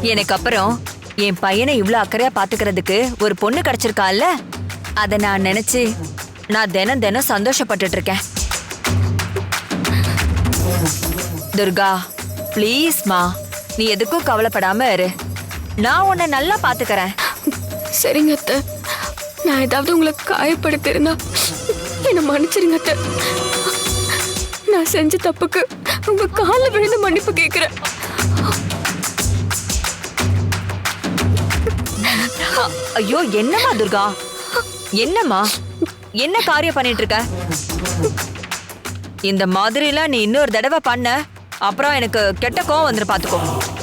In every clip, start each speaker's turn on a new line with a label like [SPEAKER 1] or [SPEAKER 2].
[SPEAKER 1] எனக்கு அப்புறம் என் பையனை இவ்ளோ அக்கறையா பாத்துக்கிறதுக்கு ஒரு பொண்ணு கிடைச்சிருக்கால, அத நான் நினைச்சு நான் தினம் தினம் சந்தோஷப்பட்டுட்டு இருக்கேன். துர்கா, ப்ளீஸ்மா, நீ எதுக்கும் கவலைப்படாம இரு. நான் உன்னை நல்லா பாத்துக்கறேன்.
[SPEAKER 2] சரிங்க அத்தை, நான் ஏதாவது உங்களை காயப்படுத்திருந்தா என்ன மன்னிச்சிருங்க அத்தை. நான் செஞ்ச தப்புக்கு உங்க காலில் விழுந்து மன்னிப்பு கேட்கிறேன்.
[SPEAKER 1] ஐயோ, என்னம்மா துர்கா, என்னம்மா, என்ன காரியம் பண்ணிட்டு இருக்க? இந்த மாதிரிலாம் நீ இன்னொரு தடவை பண்ண அப்புறம் எனக்கு கெட்ட கோவம் வந்துரு, பாத்துக்கோ.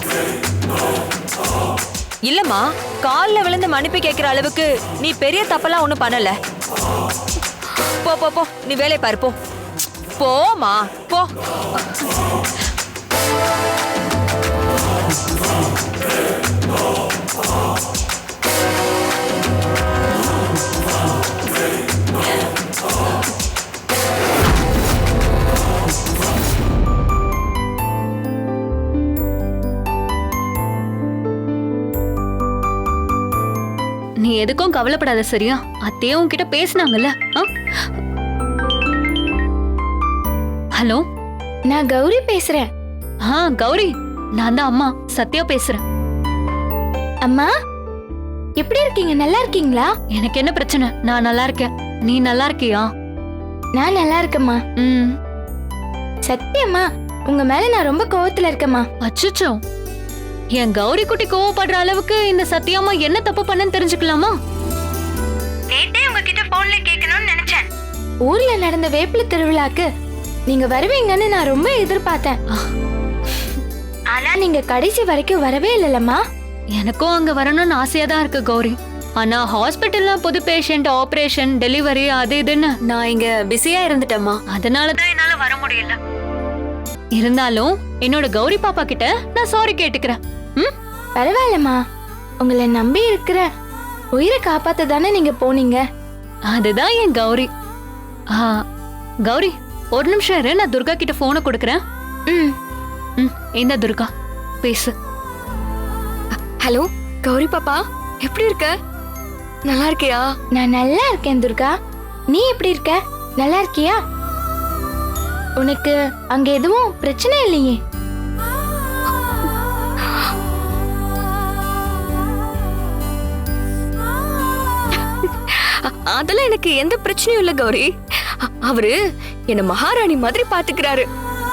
[SPEAKER 1] இல்லம்மா, காலில் விழுந்து மன்னிப்பு கேட்கிற அளவுக்கு நீ பெரிய தப்பெல்லாம் ஒண்ணும் பண்ணல. போ போ போ, நீ வேலையை பாரு, போ போமா, போ.
[SPEAKER 3] நீ எதுக்கும் கவலைப்படாத, சரியா? அத்தையும் உன்கிட்ட பேசினாங்கல்ல. ஹலோ,
[SPEAKER 2] நான் கௌரி பேசுறேன்.
[SPEAKER 3] கௌரி, நான் தான் அம்மா சத்யா பேசுறேன்.
[SPEAKER 2] அம்மா, எப்படி இருக்கீங்க? நல்லா இருக்கீங்களா?
[SPEAKER 3] எனக்கு என்ன பிரச்சனை? நான் நல்லா இருக்கேன். நீ நல்லா இருக்கியா?
[SPEAKER 2] நான் நல்லா இருக்கேம்மா. சத்தியம்மா, உங்க மேல நான் ரொம்ப கோவத்துல இருக்கேம்மா.
[SPEAKER 3] அச்சச்சோ, என் கௌரி குட்டி கோவப்படுற அளவுக்கு இந்த சத்யாமா என்ன தப்பு பண்ணன்னு தெரிஞ்சுக்கலாமா?
[SPEAKER 2] நேத்தே உங்ககிட்ட போன்ல கேட்கணும்னு நினைச்சேன். ஊர்ல நடந்த வேப்பில திருவிழாக்கு நீங்க வருவீங்கன்னு நான் ரொம்ப எதிர்பார்த்தேன். ஆனா நீங்க கடைசி வரைக்கும் வரவே இல்லலம்மா.
[SPEAKER 3] எனக்கும் அங்க வரணும்னு ஆசையா தான் இருக்கு கௌரி. ஆனா ஹாஸ்பிட்டல்ல புது பேஷண்ட், ஆபரேஷன், டெலிவரி, அது இதுன்னு
[SPEAKER 1] நான் இங்க பிஸியா இருந்துட்டேம்மா.
[SPEAKER 3] அதனாலதான் என்னால வர முடியல. இருந்தாலும் என்னோட கௌரி பாப்பா கிட்ட நான் சாரி கேட்டுக்கிறேன்.
[SPEAKER 2] பரவாயில்லம்மா, உங்களை நம்பி இருக்கிற உயிரை காப்பாத்த தானே நீங்க போனீங்க.
[SPEAKER 3] அதுதான் என் கௌரி. கௌரி, ஒரு நிமிஷம் இரு, நான் துர்கா கிட்ட போனை கொடுக்கறேன். இந்த துர்கா பேசு.
[SPEAKER 2] ஹலோ கௌரி பாப்பா, எப்படி இருக்க? நல்லா இருக்கியா? நான் நல்லா இருக்கேன் துர்கா. நீ எப்படி இருக்க? நல்லா இருக்கியா? உனக்கு அங்க எதுவும் பிரச்சனை இல்லையே? அதெல்லாம் எனக்கு எந்த பிரச்சனையும் இல்ல கௌரி. அவரு என்ன மகாராணி மாதிரி பாத்துக்கிறாரு.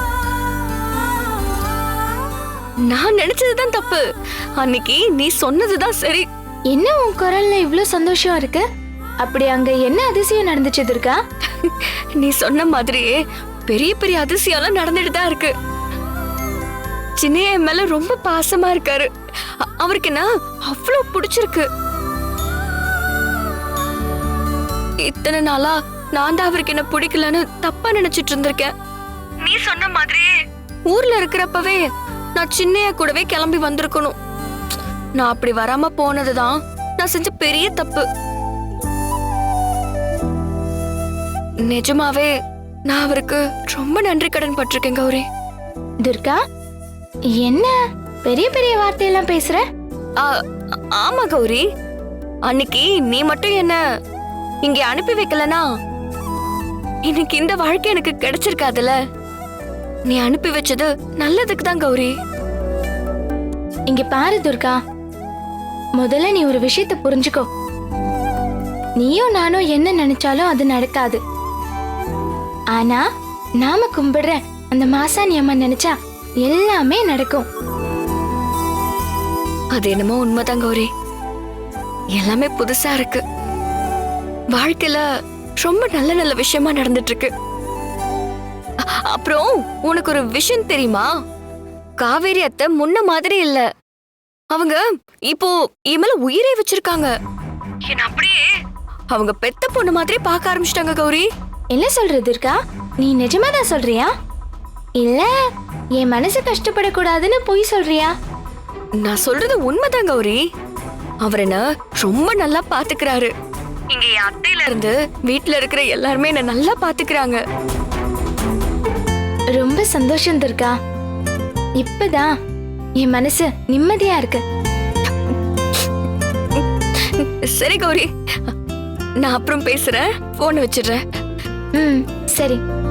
[SPEAKER 2] நான் நினைச்சதுதான் தப்பு. அன்னைக்கு நீ சொன்னதுதான் சரி. என்ன உன் குரல்ல இவ்ளோ சந்தோஷம் இருக்கு? அப்படி அங்க என்ன அதிசயம் நடந்துச்சு துர்கா? நீ சொன்ன மாதிரியே பெரிய பெரிய அதிசயம்லாம் நடந்துட்டு தான் இருக்கு. சின்னையா என் மேல ரொம்ப பாசமா இருக்காரு. அவருக்கு என்ன அவ்வளவு பிடிச்சிருக்கு. இத்தனை நாளா நான் தான் அவருக்கு என்ன பிடிக்கலன்னு தப்பா நினைச்சிட்டு இருந்திருக்கேன். நீ சொன்ன மாதிரியே ஊர்ல இருக்கிறப்பவே நான் சின்னையா கூடவே கிளம்பி வந்திருக்கணும். நான் அப்படி வராம போனதுதான் நான் செஞ்ச பெரிய தப்பு. நிஜமாவே நான் அவருக்கு ரொம்ப நன்றி கடன் பட்டிருக்கேன் கௌரி. துர்கா, என்ன பெரிய பெரிய வார்த்தையெல்லாம் பேசுற? ஆமா கௌரி, அன்னைக்கு நீ மட்டும் என்ன இங்க அனுப்பி வைக்கலனா இன்னைக்கு இந்த வாழ்க்கை எனக்கு கிடைச்சிருக்காதுல. நீ அனுப்பி வச்சது நல்லதுக்கு தான் கௌரி. இங்க பாரு துர்கா, முதல்ல நீ ஒரு விஷயத்தை புரிஞ்சுக்கோ. நீயும் நானும் என்ன நினைச்சாலும் அது நடக்காது. ஆனா நாம கும்பிடுற அந்த மாசாணி அம்மா நினைச்சா எல்லாமே நடக்கும். அது என்னமோ உண்மைதான் கௌரி. எல்லாமே புதுசா இருக்கு. வாழ்க்கையில ரொம்ப நல்ல நல்ல விஷயமா நடந்துட்டு இருக்கு. அப்புறம் உனக்கு ஒரு விஷயம் தெரியுமா? காவேரி அத்தை முன்ன மாதிரி இல்ல. அவங்க இப்போ என் மேல உயிரே வச்சிருக்காங்க. என்ன அப்படியே அவங்க பெத்த பொண்ணு மாதிரி பார்க்க ஆரம்பிச்சிட்டாங்க கௌரி. என்ன சொல்றது இருக்கா? நீ நிஜமா தான் சொல்றியா? இல்ல என் மனசு கஷ்டப்படக்கூடாதுன்னு பொய் சொல்றியா? நான் சொல்றது உண்மைதான் கௌரி. அவர் என்ன ரொம்ப நல்லா பாத்துக்கிறாரு. இங்க என் அத்தையில இருந்து வீட்டுல இருக்கிற எல்லாருமே என்ன நல்லா பாத்துக்கிறாங்க. ரொம்ப சந்தோஷம் துர்கா. இப்பதான் என் மனசு நிம்மதியா இருக்கு.
[SPEAKER 4] சரி கௌரி, நான் அப்புறம் பேசுறேன், போன் வச்சிடுறேன்.
[SPEAKER 2] சரி.